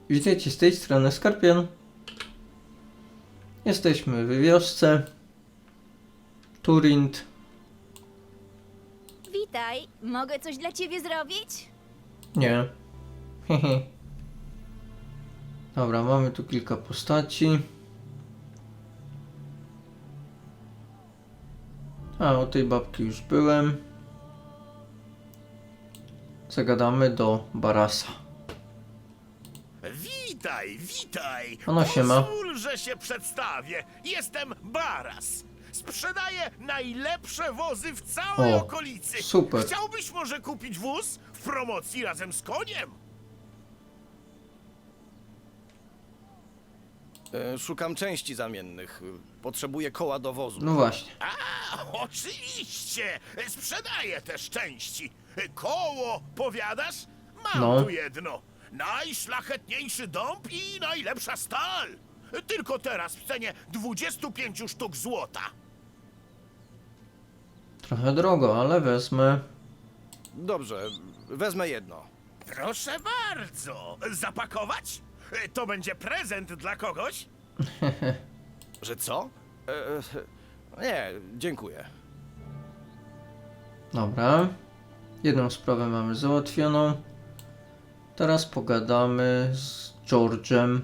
Witajcie z tej strony Skorpion. Jesteśmy w wiosce Turint. Witaj, mogę coś dla ciebie zrobić? Nie. Hehe. Dobra, mamy tu kilka postaci. A, o tej babki już byłem. Zagadamy do Barasa. Witaj, witaj! Ono się ma. Pozwól, że się przedstawię. Jestem Baras. Sprzedaję najlepsze wozy w całej O, okolicy. super. Chciałbyś może kupić wóz w promocji razem z koniem? Szukam części zamiennych. Potrzebuję koła do wozu. No właśnie. A, oczywiście! Sprzedaję też części. Koło, powiadasz? Mam No. tu jedno. Najszlachetniejszy dąb i najlepsza stal. Tylko teraz w cenie 25 sztuk złota. Trochę drogo, ale wezmę. Dobrze, wezmę jedno. Proszę bardzo. Zapakować? To będzie prezent dla kogoś? Że co? Nie, dziękuję. Dobra. Jedną sprawę mamy załatwioną. Teraz pogadamy z George'em.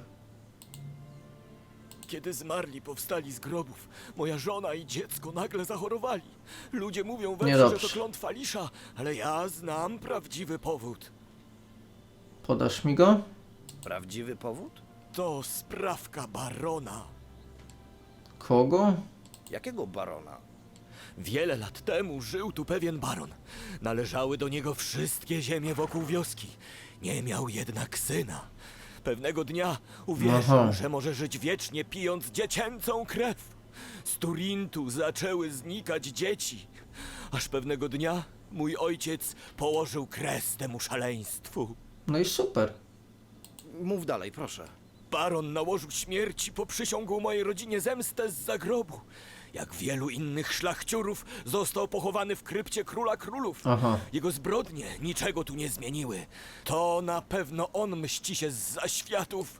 Kiedy zmarli powstali z grobów, moja żona i dziecko nagle zachorowali. Ludzie mówią we wsi, że Niedobrze. to klątwa lisza, ale ja znam prawdziwy powód. Podasz mi go? Prawdziwy powód? To sprawka barona. Kogo? Jakiego barona? Wiele lat temu żył tu pewien baron. Należały do niego wszystkie ziemie wokół wioski. Nie miał jednak syna. Pewnego dnia uwierzył, Aha. że może żyć wiecznie pijąc dziecięcą krew. Z Turintu zaczęły znikać dzieci. Aż pewnego dnia mój ojciec położył kres temu szaleństwu. No i super. Mów dalej, proszę. Baron nałożył śmierci, poprzysiągł mojej rodzinie zemstę z zagrobu. Jak wielu innych szlachciurów, został pochowany w krypcie króla królów. Aha. Jego zbrodnie niczego tu nie zmieniły. To na pewno on mści się z zaświatów.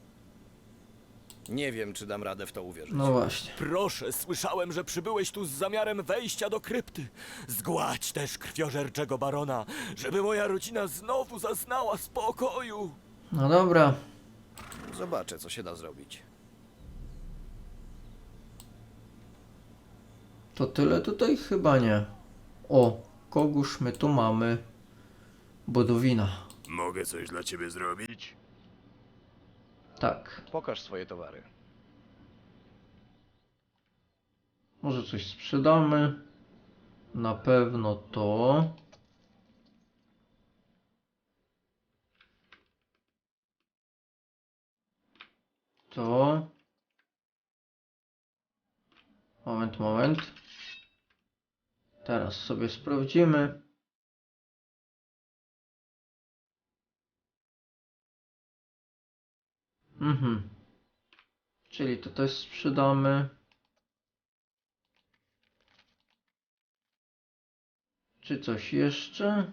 Nie wiem, czy dam radę w to uwierzyć. No właśnie. Proszę, słyszałem, że przybyłeś tu z zamiarem wejścia do krypty. Zgładź też krwiożerczego barona, żeby moja rodzina znowu zaznała spokoju. No dobra. Zobaczę, co się da zrobić. To tyle tutaj? Chyba nie. O, kogóż my tu mamy? Bodowina. Mogę coś dla ciebie zrobić? Tak. Pokaż swoje towary. Może coś sprzedamy. Na pewno to. To. Moment. Teraz sobie sprawdzimy. Czyli to też sprzedamy. Czy coś jeszcze?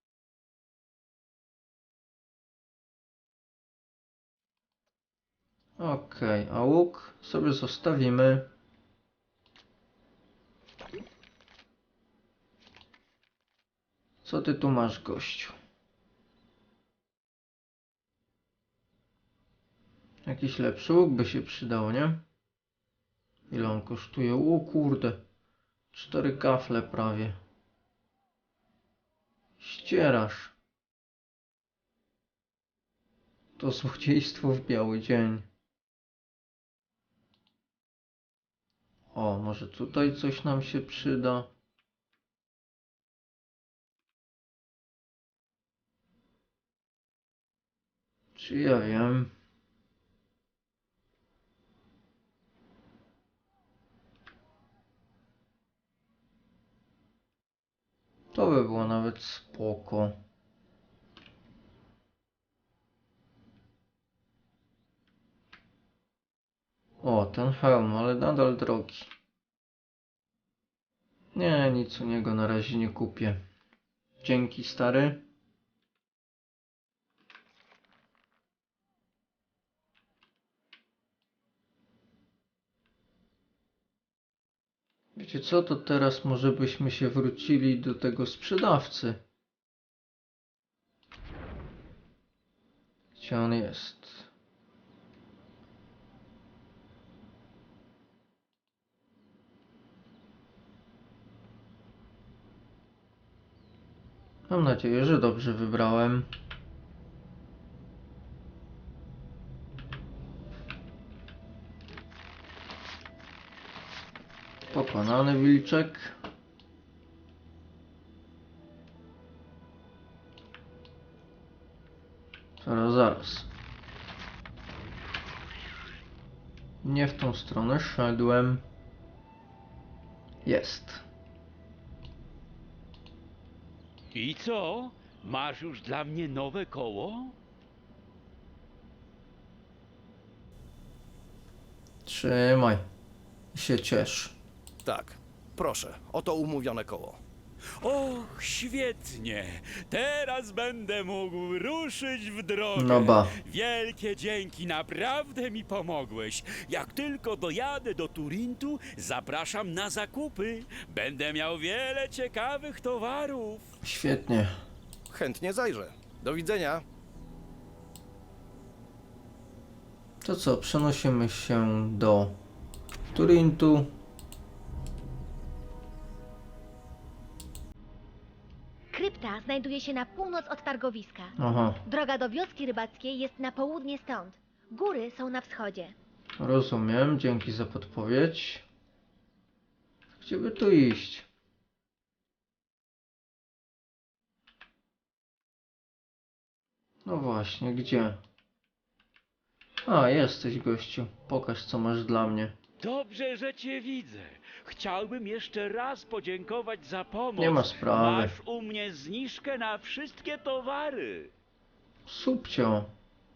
Okej, a łuk sobie zostawimy. Co ty tu masz, gościu? Jakiś lepszy łuk by się przydał, nie? Ile on kosztuje? O kurde. 4 kafle prawie. Ścierasz. To złodziejstwo w biały dzień. O, może tutaj coś nam się przyda. Czy ja wiem? To by było nawet spoko. O, ten hełm, ale nadal drogi. Nie, nic u niego na razie nie kupię. Dzięki, stary. Wiecie co, to teraz może byśmy się wrócili do tego sprzedawcy. Gdzie on jest? Mam nadzieję, że dobrze wybrałem. Pokonany wilczek. Zaraz. Nie w tą stronę szedłem. Jest. I co? Masz już dla mnie nowe koło? Trzymaj. Się ciesz. Tak, proszę, oto umówione koło. Och, świetnie! Teraz będę mógł ruszyć w drogę. No ba. Wielkie dzięki, naprawdę mi pomogłeś. Jak tylko dojadę do Turintu, zapraszam na zakupy. Będę miał wiele ciekawych towarów. Świetnie. Chętnie zajrzę. Do widzenia. To co, przenosimy się do Turintu. Krypta znajduje się na północ od targowiska. Aha, Droga do wioski rybackiej jest na południe stąd. Góry są na wschodzie. rozumiem. Dzięki za podpowiedź. Gdzie by tu iść? No właśnie, gdzie? A, jesteś gościu. Pokaż co masz dla mnie. Dobrze, że cię widzę. Chciałbym jeszcze raz podziękować za pomoc. Nie ma sprawy. Masz u mnie zniżkę na wszystkie towary. Subcio.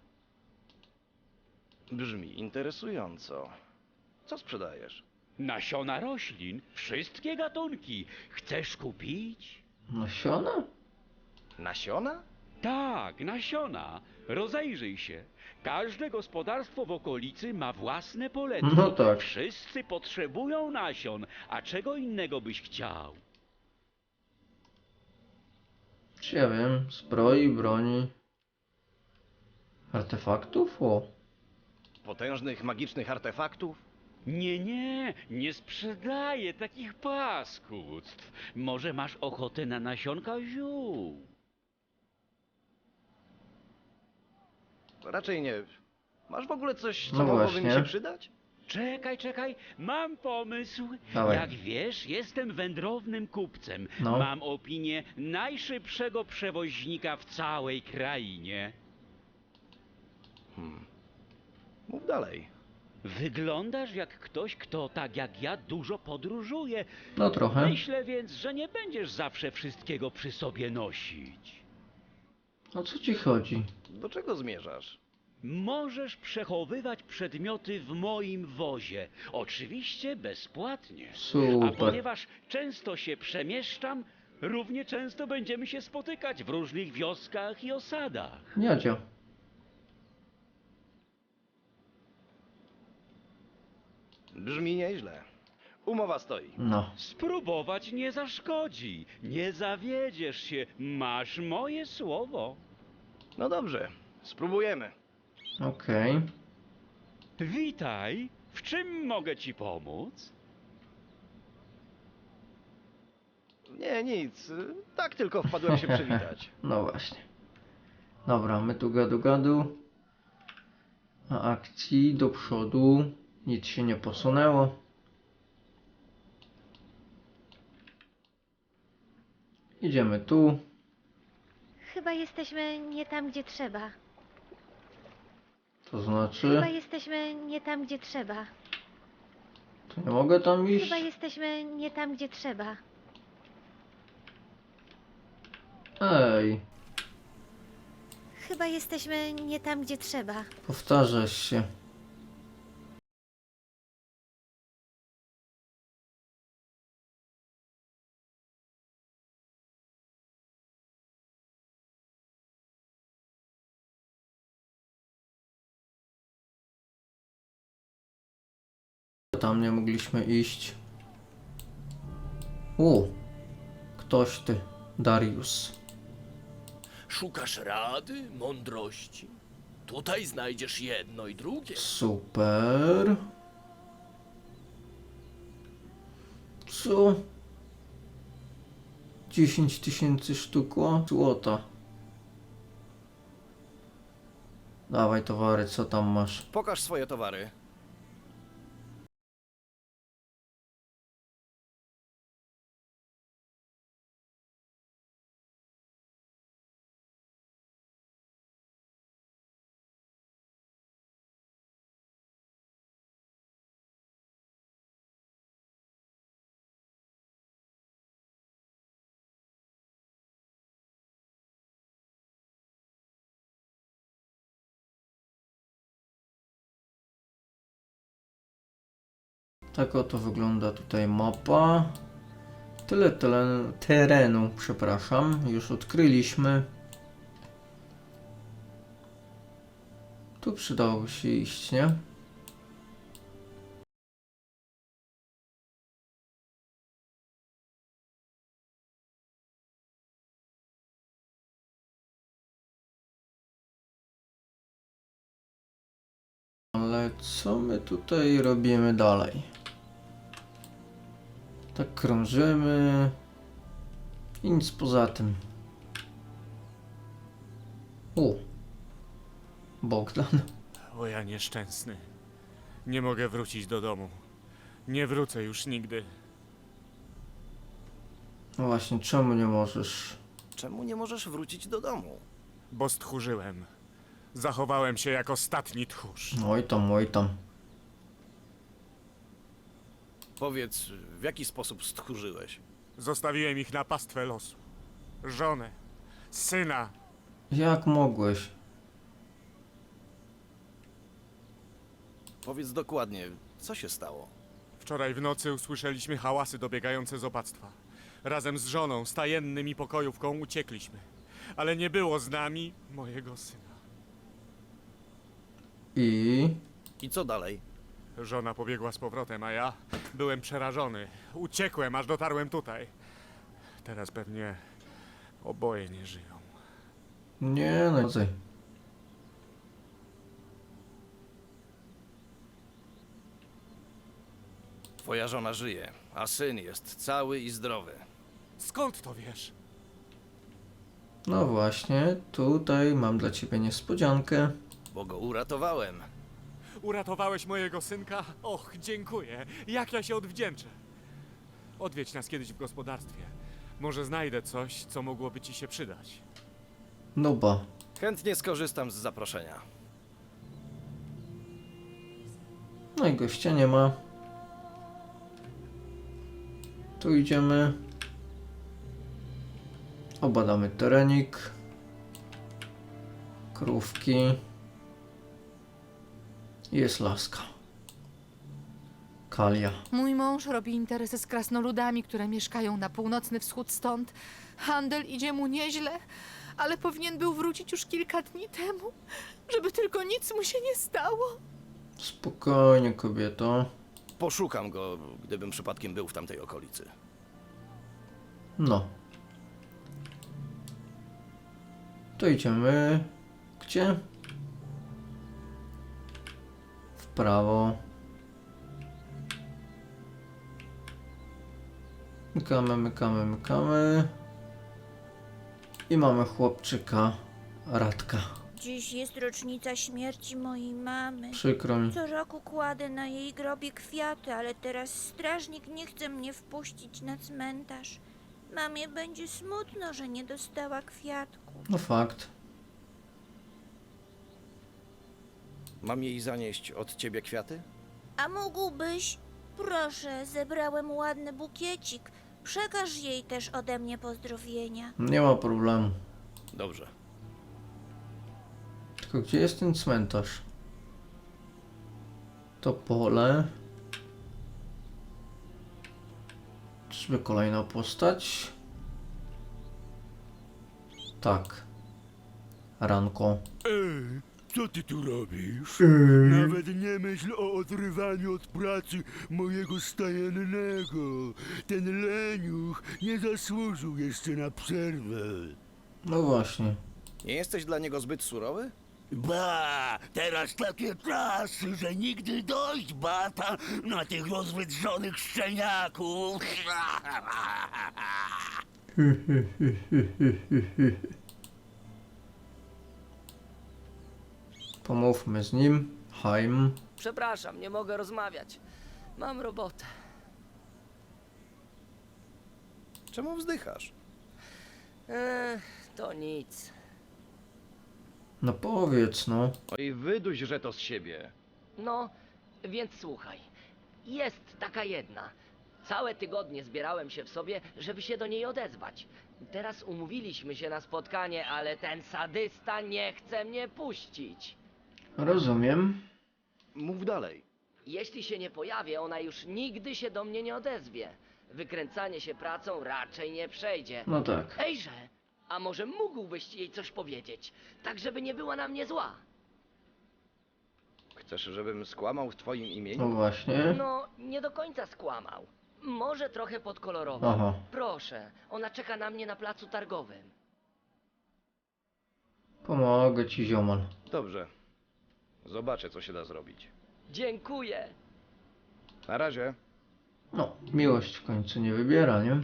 Brzmi interesująco. Co sprzedajesz? Nasiona roślin, wszystkie gatunki. Chcesz kupić? Nasiona? Nasiona? Tak, nasiona. Rozejrzyj się. Każde gospodarstwo w okolicy ma własne poletki. No tak. Wszyscy potrzebują nasion, a czego innego byś chciał? Czy ja wiem, zbroi, broni, artefaktów? O, Potężnych, magicznych artefaktów? Nie sprzedaję takich paskudztw. Może masz ochotę na nasionka ziół? Raczej nie. Masz w ogóle coś, co No mogłoby mi właśnie. się przydać? Czekaj, mam pomysł. Dawaj. Jak wiesz, jestem wędrownym kupcem. No. Mam opinię najszybszego przewoźnika w całej krainie. Mów dalej. Wyglądasz jak ktoś, kto tak jak ja dużo podróżuje. no trochę. Myślę więc, że nie będziesz zawsze wszystkiego przy sobie nosić. O co ci chodzi? Do czego zmierzasz? Możesz przechowywać przedmioty w moim wozie. Oczywiście bezpłatnie. A Super. ponieważ często się przemieszczam, równie często będziemy się spotykać w różnych wioskach i osadach. Jadzia. Brzmi nieźle. Umowa stoi. No. Spróbować nie zaszkodzi. Nie zawiedziesz się. Masz moje słowo. No dobrze, spróbujemy. Okej. Witaj. W czym mogę ci pomóc? Nie, nic. Tak tylko wpadłem się przywitać. No właśnie. Dobra, my tu gadu. A akcji do przodu. Nic się nie posunęło. Idziemy tu. Chyba jesteśmy nie tam, gdzie trzeba. To znaczy, Chyba jesteśmy nie tam, gdzie trzeba. to nie mogę tam iść? Chyba jesteśmy nie tam, gdzie trzeba. Ej, Chyba jesteśmy nie tam, gdzie trzeba. powtarzasz się. Tam nie mogliśmy iść. Ktoś ty, Darius. Szukasz rady, mądrości? Tutaj znajdziesz jedno i drugie. Super. Co? 10 000 sztuk złota. Dawaj towary, co tam masz? Pokaż swoje towary. Tak oto wygląda tutaj mapa. Tyle terenu, przepraszam, już odkryliśmy. Tu przydałoby się iść, nie? Ale co my tutaj robimy dalej? Tak krążymy i nic poza tym. Bogdan. O ja nieszczęsny. Nie mogę wrócić do domu. Nie wrócę już nigdy. No właśnie, czemu nie możesz? Czemu nie możesz wrócić do domu? Bo stchórzyłem. Zachowałem się jak ostatni tchórz. Oj tam, oj tam. Powiedz, w jaki sposób stchórzyłeś? Zostawiłem ich na pastwę losu. Żonę, syna. Jak mogłeś? Powiedz dokładnie, co się stało? Wczoraj w nocy usłyszeliśmy hałasy dobiegające z opactwa. Razem z żoną, stajennym i pokojówką uciekliśmy. Ale nie było z nami mojego syna. I co dalej? Żona pobiegła z powrotem, a ja byłem przerażony. Uciekłem, aż dotarłem tutaj. Teraz pewnie oboje nie żyją. Nie no. Twoja żona żyje, a syn jest cały i zdrowy. Skąd to wiesz? No właśnie, tutaj mam dla ciebie niespodziankę. Bo go uratowałem. Uratowałeś mojego synka? Och, dziękuję. Jak ja się odwdzięczę. Odwiedź nas kiedyś w gospodarstwie. Może znajdę coś, co mogłoby ci się przydać. No ba. Chętnie skorzystam z zaproszenia. No i gościa nie ma. Tu idziemy. Obadamy terenik. Krówki. Jest laska. Kalia. Mój mąż robi interesy z krasnoludami, które mieszkają na północny wschód stąd. Handel idzie mu nieźle, ale powinien był wrócić już kilka dni temu, żeby tylko nic mu się nie stało. Spokojnie, kobieto. Poszukam go, gdybym przypadkiem był w tamtej okolicy. No. To idziemy. Gdzie? W prawo. Mykamy, mykamy, mykamy. I mamy chłopczyka Radka. Dziś jest rocznica śmierci mojej mamy. Przykro mi. Co roku kładę na jej grobie kwiaty, ale teraz strażnik nie chce mnie wpuścić na cmentarz. Mamie będzie smutno, że nie dostała kwiatku. No fakt. Mam jej zanieść od ciebie kwiaty? A mógłbyś? Proszę, zebrałem ładny bukiecik. Przekaż jej też ode mnie pozdrowienia. Nie ma problemu. Dobrze. Tylko gdzie jest ten cmentarz? To pole. Czyżby kolejna postać? Tak. Ranko. Co ty tu robisz? Nawet nie myśl o odrywaniu od pracy mojego stajennego. Ten leniuch nie zasłużył jeszcze na przerwę. No właśnie. Nie jesteś dla niego zbyt surowy? Ba, teraz takie czasy, że nigdy dość bata na tych rozwydrzonych szczeniaków. Pomówmy z nim. Haim. Przepraszam, nie mogę rozmawiać. Mam robotę. Czemu wzdychasz? To nic. No powiedz, no. Oj, wyduś, że to z siebie. No, więc słuchaj. Jest taka jedna. Całe tygodnie zbierałem się w sobie, żeby się do niej odezwać. Teraz umówiliśmy się na spotkanie, ale ten sadysta nie chce mnie puścić. Rozumiem. Mów dalej. Jeśli się nie pojawię, ona już nigdy się do mnie nie odezwie. Wykręcanie się pracą raczej nie przejdzie. No tak. Ejże, a może mógłbyś jej coś powiedzieć, tak żeby nie była na mnie zła? Chcesz, żebym skłamał w twoim No imieniu? właśnie. No, nie do końca skłamał. Może trochę podkolorował. Aha. Proszę, ona czeka na mnie na placu targowym. Pomogę ci, ziomal. Dobrze. Zobaczę, co się da zrobić. Dziękuję. Na razie. No, miłość w końcu nie wybiera, nie?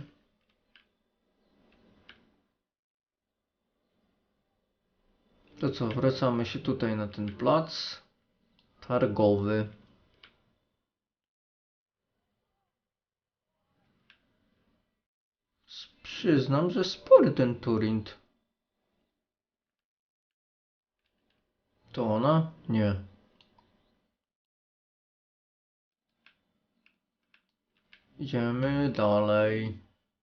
To co, wracamy się tutaj na ten plac targowy. Przyznam, że spory ten Turint. To ona? Nie. Idziemy dalej.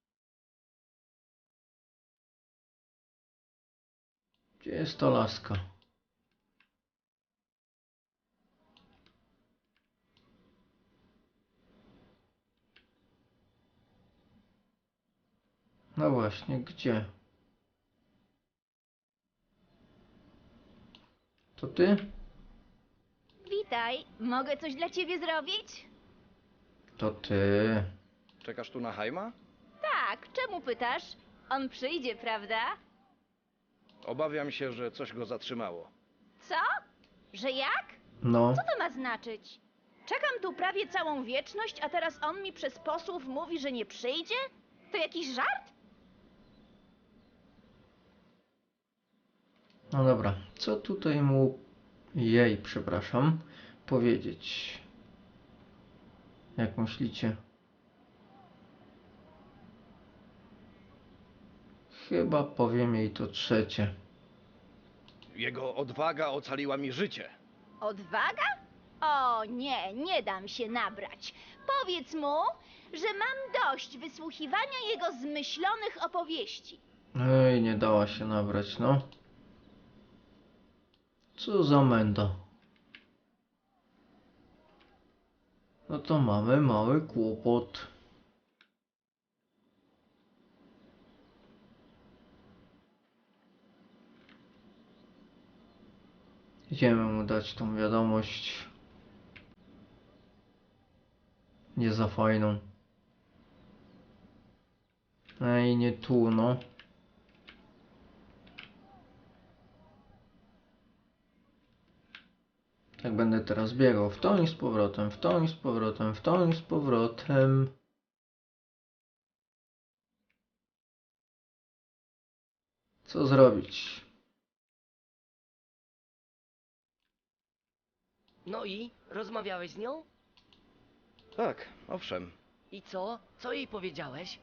Gdzie jest ta laska? No właśnie, gdzie? To ty? Witaj, mogę coś dla ciebie zrobić? To ty. Czekasz tu na Haima? Tak, czemu pytasz? On przyjdzie, prawda? Obawiam się, że coś go zatrzymało. Co? Że jak? No. Co to ma znaczyć? Czekam tu prawie całą wieczność, a teraz on mi przez posłów mówi, że nie przyjdzie? To jakiś żart? No dobra, co tutaj mu jej, przepraszam, powiedzieć? Jak myślicie? Chyba powiem jej to trzecie. Jego odwaga ocaliła mi życie. Odwaga? O nie, nie dam się nabrać. Powiedz mu, że mam dość wysłuchiwania jego zmyślonych opowieści. Ej, nie dała się nabrać, no. Co za menda. No to mamy mały kłopot. Idziemy mu dać tą wiadomość. Nie za fajną. Ej, nie tu, no. Tak będę teraz biegał w tą i z powrotem, w tą i z powrotem, w tą i z powrotem. Co zrobić? No i? Rozmawiałeś z nią? Tak, owszem. I co? Co jej powiedziałeś?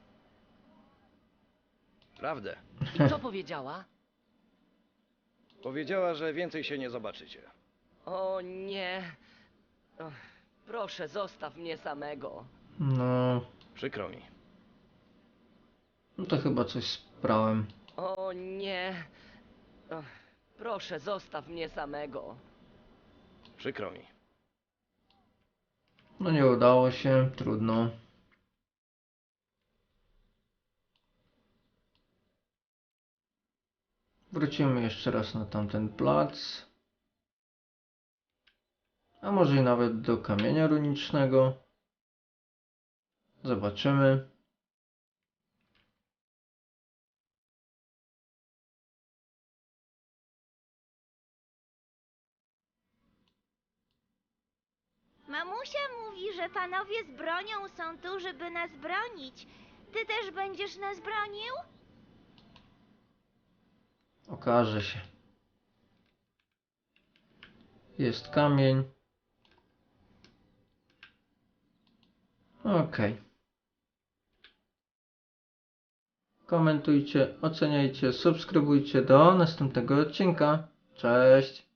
Prawdę. I co powiedziała? Powiedziała, że więcej się nie zobaczycie. O nie. Och, proszę, zostaw mnie samego. No, Przykro mi. no to chyba coś sprałem. O nie. Och, proszę, zostaw mnie samego. Przykro mi. No nie udało się, trudno. Wrócimy jeszcze raz na tamten plac. A może i nawet do kamienia runicznego. Zobaczymy. Mamusia mówi, że panowie z bronią są tu, żeby nas bronić. Ty też będziesz nas bronił? Okaże się. Jest kamień. Okej. Komentujcie, oceniajcie, subskrybujcie do następnego odcinka. Cześć!